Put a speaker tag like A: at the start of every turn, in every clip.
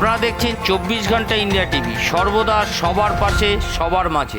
A: আপনারা দেখছেন 24 ঘন্টা ইন্ডিয়া টিভি, সর্বদা সবার পাশে সবার মাঝে।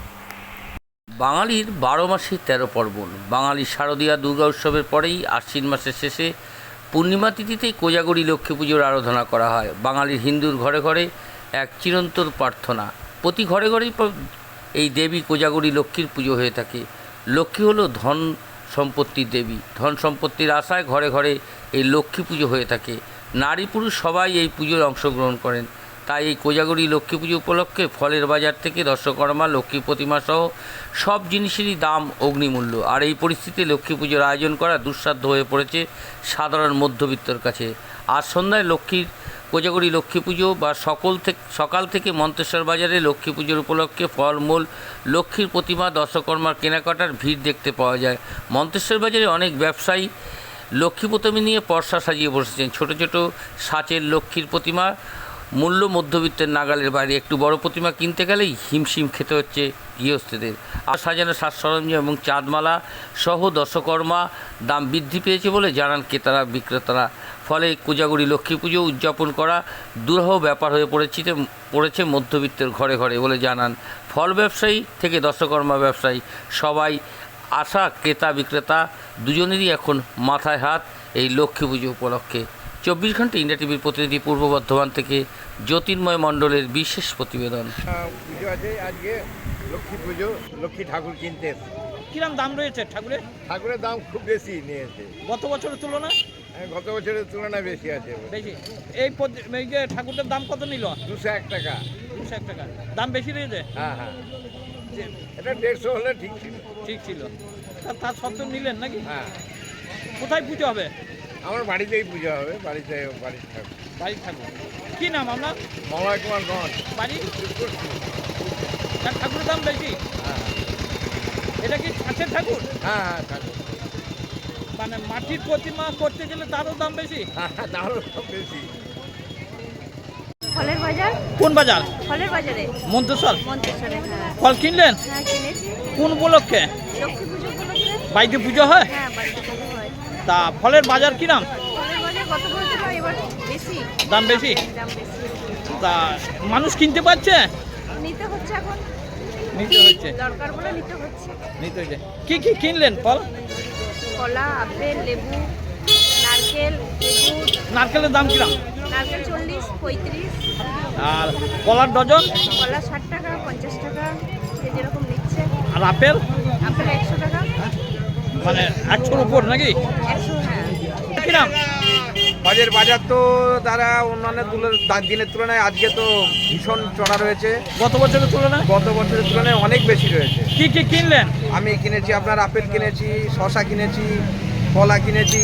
A: বাঙালির 12 মাসে 13 পার্বণ। বাঙালির শারদীয়া দুর্গা উৎসবের পরেই আশ্বিন মাসের শেষে পূর্ণিমা তিথিতেই কোজাগরী লক্ষ্মী পুজোর আরাধনা করা হয়। বাঙালির হিন্দুর ঘরে ঘরে এক চিরন্তন প্রার্থনা। প্রতি ঘরে ঘরেই এই দেবী কোজাগরী লক্ষ্মীর পুজো হয়ে থাকে। লক্ষ্মী হলো ধন সম্পত্তির দেবী। ধন সম্পত্তির আশায় ঘরে ঘরে এই লক্ষ্মী পুজো হয়ে থাকে। নারী পুরুষ সবাই এই পুজোয় অংশগ্রহণ করেন। তাই এই কোজাগরী লক্ষ্মী পুজো উপলক্ষে ফলের বাজার থেকে দশকর্মা, লক্ষ্মী প্রতিমা সহ সব জিনিসেরই দাম অগ্নিমূল্য। আর এই পরিস্থিতিতে লক্ষ্মী পুজোর আয়োজন করা দুঃসাধ্য হয়ে পড়েছে সাধারণ মধ্যবিত্তর কাছে। আজ সন্ধ্যায় কোজাগরী লক্ষ্মী পুজো বা সকাল থেকে মন্তেশ্বর বাজারে লক্ষ্মী পুজোর উপলক্ষে ফলমূল, লক্ষ্মীর প্রতিমা, দশকর্মার কেনাকাটার ভিড় দেখতে পাওয়া যায়। মন্তেশ্বর বাজারে অনেক ব্যবসায়ী লক্ষ্মী প্রতিমা নিয়ে পর্সা সাজিয়ে বসেছেন। ছোট ছোট সাঁচের লক্ষ্মীর প্রতিমা মূল্য মধ্যবিত্তের নাগালের বাইরে। একটু বড় প্রতিমা কিনতে গেলেই হিমশিম খেতে হচ্ছে গৃহস্থদের। আর সাজানো সাজ সরঞ্জাম এবং চাঁদমালা সহ দশকর্মা দাম বৃদ্ধি পেয়েছে বলে জানান ক্রেতারা বিক্রেতারা। ফলে কোজাগরী লক্ষ্মী পুজো উদযাপন করা দুরূহ ব্যাপার হয়ে পড়েছে মধ্যবিত্তের ঘরে ঘরে বলে জানান ফল ব্যবসায়ী থেকে দশকর্মা ব্যবসায়ী সবাই। আশা ক্রেতা বিক্রেতা দুজনেরই এখন মাথায় হাত এই লক্ষ্মী পুজো উপলক্ষে। 24 ঘন্টা ইন্ডিয়া টিভির প্রতিনিধি পূর্ব বর্ধমান থেকে জ্যোতির্ময় মণ্ডলের বিশেষ প্রতিবেদন।
B: পুজো আছে আজকে, লক্ষ্মী পুজো, লক্ষ্মী ঠাকুর কিনতে।
C: কিরম দাম রয়েছে ঠাকুরের?
B: ঠাকুরের দাম খুব বেশি নিয়েছে
C: গত বছরের তুলনায়।
B: গত বছরের তুলনায় বেশি আছে।
C: বেশি। এই যে ঠাকুরটার দাম কত নিল?
B: 201 টাকা।
C: 201 টাকা দাম বেশি রয়েছে।
B: হ্যাঁ হ্যাঁ, এটা 150 হলে ঠিক ছিল।
C: ঠিক ছিল, তার সত্ত্বেও নিলেন নাকি?
B: হ্যাঁ।
C: কোথায় পুজো হবে?
B: আমার বাড়িতেই পুজো হবে, বাড়ির ঠাকুর।
C: বাড়ির ঠাকুর। কি নাম আপনার?
B: মলয় কুমার গঞ্জ।
C: বাড়ি? তার ঠাকুরের দাম বেশি।
B: হ্যাঁ
C: এটা কি ছাঁচের ঠাকুর?
B: হ্যাঁ হ্যাঁ, ঠাকুর
C: মানে মাটির প্রতিমা করতে গেলে তারও দাম বেশি।
B: হ্যাঁ, তারও বেশি।
D: ফলের বাজার।
C: কোন বাজার?
D: ফলের বাজারে
C: মন্তেশ্বর।
D: মন্তেশ্বরে। হ্যাঁ
C: ফল কিনলেন?
D: হ্যাঁ কিনেছি।
C: কোন উপলক্ষে?
D: লক্ষ্মী পুজো উপলক্ষে।
C: বাড়িতে পুজো হয়?
D: হ্যাঁ বাড়িতে পুজো হয়।
C: তা ফলের বাজার কি নাম?
D: ফলের বাজার গত বছর এবার বেশি।
C: দাম বেশি?
D: দাম বেশি।
C: তা মানুষ কিনতে পারছে?
D: নিতে হচ্ছে এখন।
C: নিতে হচ্ছে।
D: দরকার বলে নিতে হচ্ছে।
C: নিতে হচ্ছে। কি কি কিনলেন ফল?
D: কলা, আপেল, লেবু, নারকেল, খেজুর।
C: নারকেলের দাম কিরাম?
D: নারকেল 40, 35।
C: আর কলার ডজন?
D: কলা 60 টাকা, 50 টাকা, যে যেরকম নিচ্ছে।
C: আর আপেল?
D: আপেল 100 টাকা।
C: মানে 100-র উপর নাকি?
D: 100। হ্যাঁ।
C: কিরাম?
B: বাজার তো তারা অন্যান্য দিনের তুলনায় আজকে তো ভীষণ চড়া রয়েছে।
C: গত বছরের তুলনায়?
B: গত বছরের তুলনায় অনেক বেশি রয়েছে।
C: কি কি কিনলেন?
B: আমি কিনেছি আপনার আপেল কিনেছি, শসা কিনেছি, কলা কিনেছি।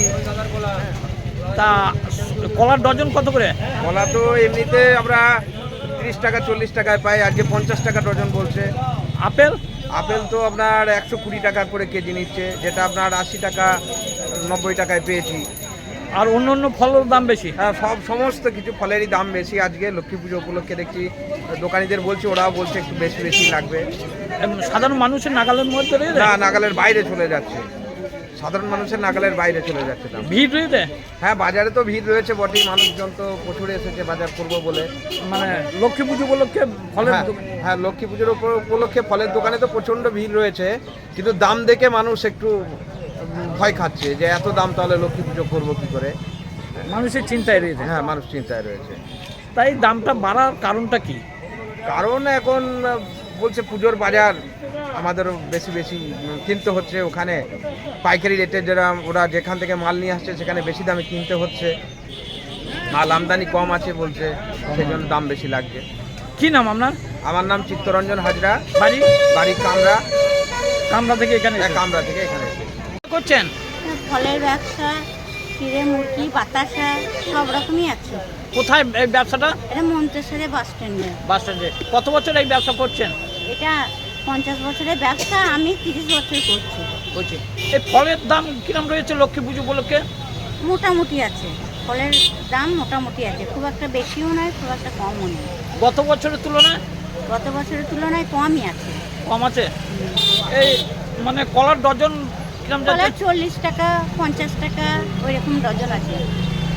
C: তা কলার ডজন কত করে?
B: কলা তো এমনিতে আমরা 30 টাকা 40 টাকায় পাই, আজকে 50 টাকা ডজন বলছে।
C: আপেল?
B: আপেল তো আপনার 120 টাকা করে কেজি নিচ্ছে, যেটা আপনার 80 টাকা 90 টাকায় পেয়েছি।
C: আর অন্য অন্য ফলের দাম বেশি?
B: হ্যাঁ, সমস্ত কিছু ফলেরই দাম বেশি আজকে লক্ষ্মী পুজো উপলক্ষে। দেখছি দোকানিদের বলছি, ওরাও বলছে একটু বেশি বেশি লাগবে।
C: সাধারণ মানুষের নাগালের মধ্যে রয়েছে?
B: না, নাগালের বাইরে চলে যাচ্ছে, সাধারণ মানুষের নাগালের বাইরে চলে যাচ্ছে দাম।
C: ভিড় রয়েছে?
B: হ্যাঁ, বাজারে তো ভিড় রয়েছে বটেই, মানুষজন তো প্রচুর এসেছে বাজার করবো বলে।
C: মানে লক্ষ্মী পুজো উপলক্ষে ফলের
B: হ্যাঁ, লক্ষ্মী পুজোর উপলক্ষে ফলের দোকানে তো প্রচণ্ড ভিড় রয়েছে, কিন্তু দাম দেখে মানুষ একটু ভয় খাচ্ছে যে এত দাম, তাহলে লক্ষ্মী পুজো করবো কি করে।
C: মানুষের চিন্তায় রয়েছে।
B: হ্যাঁ, মানুষ চিন্তায় রয়েছে।
C: তাই দামটা বাড়ার কারণটা কি?
B: কারণ এখন বলছে পুজোর বাজার, আমাদেরও বেশি বেশি কিনতে হচ্ছে। ওখানে পাইকারি রেটে ওরা যেখান থেকে মাল নিয়ে আসছে সেখানে বেশি দামে কিনতে হচ্ছে। মাল আমদানি কম আছে বলছে, সেই জন্য দাম বেশি লাগছে।
C: কি নাম আপনার?
B: আমার নাম চিত্তরঞ্জন হাজরা।
C: বাড়ি
B: কামরা।
C: কামরা থেকে এখানে?
B: কামরা থেকে এখানে
C: করছেন।
D: ফলের ব্যবসা, চিড়ে মুরগি, বাতাসা সব রকমই আছে।
C: কোথায় এই ব্যবসাটা?
D: এটা মন্তেশ্বরে বাস স্ট্যান্ডে।
C: বাস স্ট্যান্ডে। কত বছর এই ব্যবসা করছেন?
D: এটা 50 বছরের ব্যবসা, আমি 30 বছর করছি।
C: বলছি, এই ফলের দাম কিরম রয়েছে লক্ষ্মী পুজো উপলক্ষে?
D: মোটামুটি আছে, ফলের দাম মোটামুটি আছে, খুব একটা বেশিও নয়, খুব একটা কমও নয়।
C: গত বছরের তুলনায়?
D: গত বছরের তুলনায় কমই আছে।
C: কম আছে? এই মানে কলার ডজন কিরম
D: কলা
C: যাচ্ছে?
D: 40 টাকা, 50 টাকা ওইরকম ডজন আছে।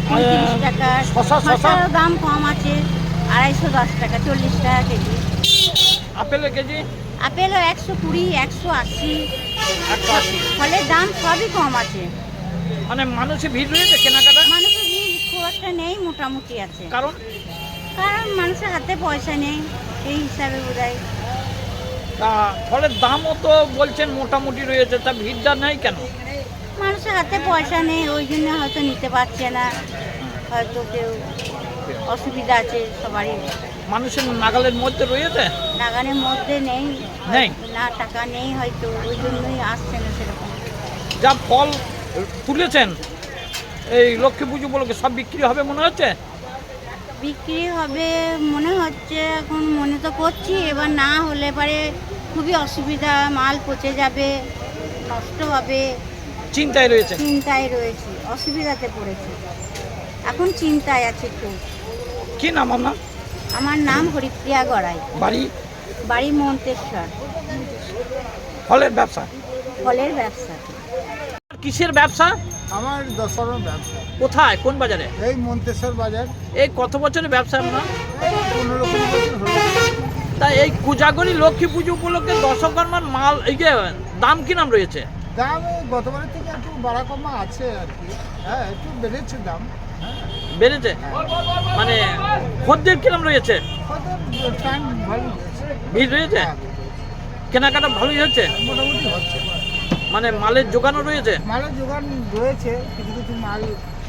D: পঁয়ত্রিশ টাকা।
C: শসা?
D: শসারও দাম কম আছে, 210 টাকা, 40 টাকা কেজি।
C: আপেলের কেজি
D: আপেলও 120, 180।
C: 180।
D: ফলের দাম সবই কম আছে।
C: মানে মানুষের ভিড় রয়েছে কেনাকাটা,
D: মানুষের ভিড় খুব একটা নেই, মোটামুটি আছে।
C: কারণ
D: কারণ মানুষের হাতে পয়সা নেই, সেই হিসাবে বোধহয়।
C: তা ফলের দামও তো বলছেন মোটামুটি রয়েছে, তা ভিড়টা নেই কেন?
D: মানুষের হাতে পয়সা নেই, ওই জন্য হয়তো নিতে পারছে না। হয়তো কেউ অসুবিধা আছে সবারই,
C: মানুষের নাগালের মধ্যে রয়েছে,
D: নাগানের মধ্যে নেই।
C: নেই।
D: না, টাকা নেই হয়তো, ওই জন্যই আসছে না সেরকম।
C: যা ফল তুলেছেন এই লক্ষ্মী পুজো উপলক্ষে সব বিক্রি হবে মনে হচ্ছে?
D: বিক্রি হবে মনে হচ্ছে, এখন মনে তো করছি, এবার না হলে পারে খুবই অসুবিধা, মাল পচে যাবে, নষ্ট হবে।
C: চিন্তায় রয়েছে।
D: চিন্তায় রয়েছি, অসুবিধাতে পড়েছি, এখন চিন্তায় আছে খুব।
C: কি নাম আপনার?
D: আমার নাম হরিপ্রিয়া গড়াই,
C: বাড়ি?
D: বাড়ি মন্তেশ্বর,
C: ফলের ব্যবসা।
D: ফলের ব্যবসা।
C: কিসের ব্যবসা?
E: আমার দশরণ ব্যবসা,
C: কোথায়, কোন বাজারে?
E: এই মন্তেশ্বর বাজার।
C: এই কত বছরের ব্যবসা আপনার?
E: এই 15-20 বছর হলো।
C: তা এই কোজাগরী লক্ষ্মী পুজো উপলক্ষে দশকর্মার মাল এই যে দাম কি নাম রয়েছে?
E: দাম এই গতবারের থেকে একটু বাড়া কমা আছে আর কি। হ্যাঁ, একটু বেড়েছে দাম। হ্যাঁ,
C: বেড়েছে? মানে খদ্দের কিরম রয়েছে?
E: হয়তো টাইম ভালো হয়েছে।
C: ভিড় রয়েছে?
E: হ্যাঁ,
C: কেনাকাটা ভালোই হচ্ছে?
E: মোটামুটি হচ্ছে।
C: মানে মালের যোগানও রয়েছে?
E: মালের যোগান রয়েছে, কিছু কিছু মাল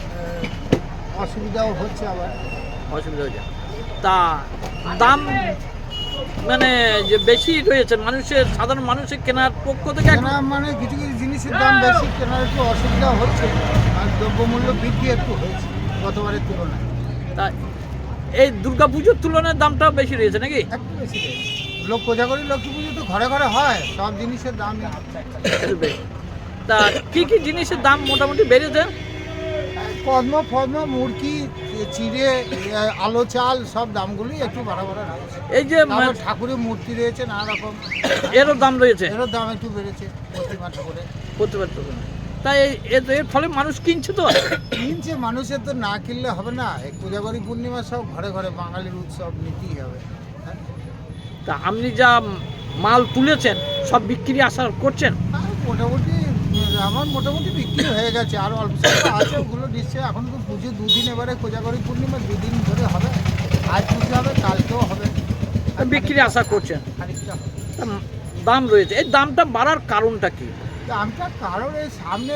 E: অসুবিধাও হচ্ছে আবার।
C: অসুবিধা হয়েছে। তা দাম মানে যে বেশি রয়েছে, মানুষের সাধারণ মানুষের কেনার পক্ষ থেকে
E: কেনা মানে কিছু কিছু জিনিসের দাম বেশি, কেনার একটু অসুবিধা হচ্ছে। আর দ্রব্যমূল্য বৃদ্ধি একটু হয়েছে গতবারের তুলনায়।
C: তা এই দুর্গা পুজোর তুলনায় দামটাও বেশি রয়েছে নাকি?
E: একটু বেশি রয়েছে। কোজাগরী লক্ষ্মী পুজো তো ঘরে ঘরে হয়, সব জিনিসের দাম
C: একটু বেশি। তা কি কি জিনিসের দাম মোটামুটি বেড়েছে?
E: ফদ্ম মুরগি, চিড়ে, আলো চাল, সব দামগুলোই একটু বাড়া রয়েছে।
C: এই যে
E: তারপর ঠাকুরের মূর্তি রয়েছে নানা রকম,
C: এরও দাম রয়েছে
E: এরও দাম একটু বেড়েছে প্রতিমা ঠাকুরের।
C: প্রতিবার তো। তাই এর ফলে মানুষ কিনছে তো?
E: কিনছে, মানুষের তো না কিনলে হবে না। এই কোজাগরী পূর্ণিমা সব ঘরে ঘরে বাঙালির উৎসব, নিতেই হবে। হ্যাঁ,
C: তা আপনি যা মাল তুলেছেন সব বিক্রি আশা করছেন?
E: আর মোটামুটি আমার মোটামুটি বিক্রি হয়ে গেছে, আর অল্প স্বল্প আছে, ওগুলো নিশ্চয়ই। এখন তো পুজো 2 দিন, এবারে কোজাগরী পূর্ণিমা 2 দিন ধরে হবে। আজ পুজো হবে, কালকেও হবে।
C: বিক্রি আশা করছেন?
E: খানিকটা হবে।
C: তা দাম রয়েছে, এই দামটা বাড়ার কারণটা কি?
E: দামটা কারণ এই সামনে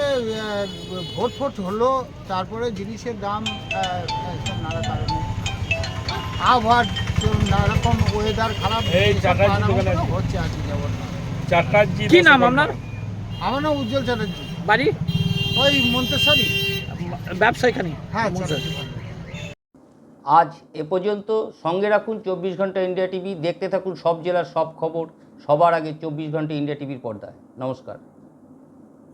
E: ভোট হলো, তারপরে জিনিসের দাম সব নানা কারণে, আবহাওয়ার নানা রকম ওয়েদার খারাপ হচ্ছে আর কি। যেমন
C: কি নাম আপনার?
E: আমার নাম উজ্জ্বল চ্যাটার্জি,
C: বাড়ি?
E: ওই মন্তেশ্বরী।
C: ব্যবসা এখানে?
E: হ্যাঁ,
A: আজ এ পর্যন্ত। সঙ্গে রাখুন 24 ঘন্টা ইন্ডিয়া টিভি। দেখতে থাকুন সব জেলার সব খবর সবার আগে 24 ঘন্টা ইন্ডিয়া টিভির পর্দায়। নমস্কার।